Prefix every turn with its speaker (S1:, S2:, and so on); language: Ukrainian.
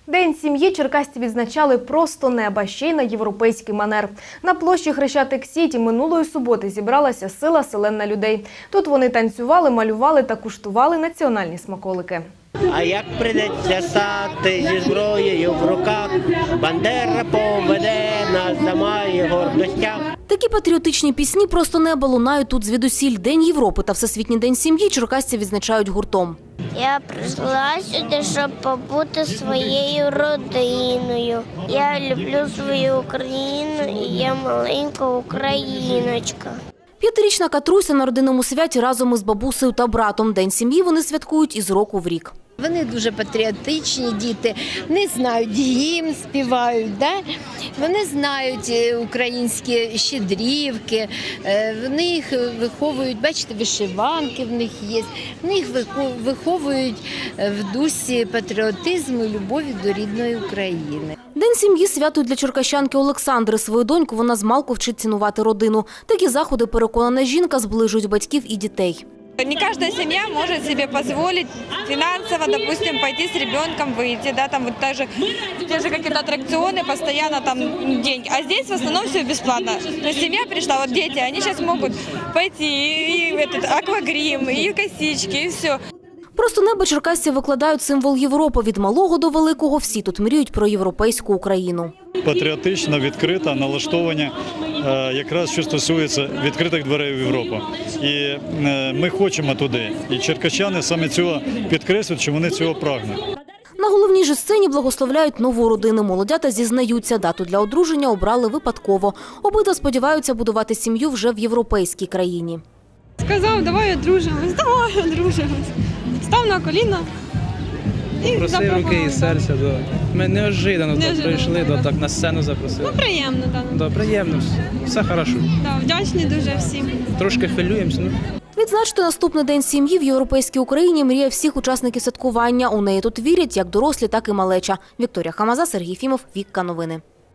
S1: День сім'ї черкасці відзначали просто неба, ще й на європейський манер. На площі Хрещатик-Сіті минулої суботи зібралася сила селен людей. Тут вони танцювали, малювали та куштували національні смаколики.
S2: А як прийдеться стати зі зброєю в руках, Бандера поведе нас за має гордостях.
S3: Такі патріотичні пісні «Просто неба» лунають тут звідусіль. День Європи та Всесвітній день сім'ї черкасці відзначають гуртом.
S4: Я прийшла сюди, щоб побути своєю родиною. Я люблю свою Україну і я маленька україночка.
S3: 5-річна Катруся на родинному святі разом із бабусею та братом. День сім'ї вони святкують із року в рік.
S5: Вони дуже патріотичні діти, вони знають гімн, співають, да? Вони знають українські щедрівки, вони їх виховують, бачите, вишиванки в них є, вони їх виховують в дусі патріотизму і любові до рідної України.
S3: День сім'ї – свято для черкащанки Олександри. Свою доньку вона змалку вчить цінувати родину. Такі заходи, переконана жінка, зближують батьків і дітей.
S6: Не каждая семья может себе позволить финансово, допустим, пойти с ребенком выйти, да, там вот те же какие-то аттракционы, постоянно там деньги. А здесь в основном все бесплатно. То есть семья пришла, вот дети, они сейчас могут пойти и аквагрим, и косички, и все.
S3: Просто неба черкасці викладають символ Європи. Від малого до великого всі тут мріють про європейську Україну.
S7: Патріотично, відкрита, налаштовані, якраз що стосується відкритих дверей в Європу. І ми хочемо туди. І черкащани саме цього підкреслюють, що вони цього прагнуть.
S3: На головній же сцені благословляють нову родину. Молодята зізнаються, дату для одруження обрали випадково. Обидва сподіваються будувати сім'ю вже в європейській країні.
S6: Сказав, давай одружимось, давай одружимось. Став на коліна і
S8: запросив руки і серця. Ми неожиданно прийшли, так на сцену запросили.
S6: Ну, приємно, так.
S8: Приємно, все хорошо.
S6: Вдячні дуже всім.
S8: Трошки хвилюємося.
S3: Відзначити наступний день сім'ї в європейській Україні мріє всіх учасників святкування. У неї тут вірять як дорослі, так і малеча. Вікторія Хамаза, Сергій Фімов, Вікка Новини.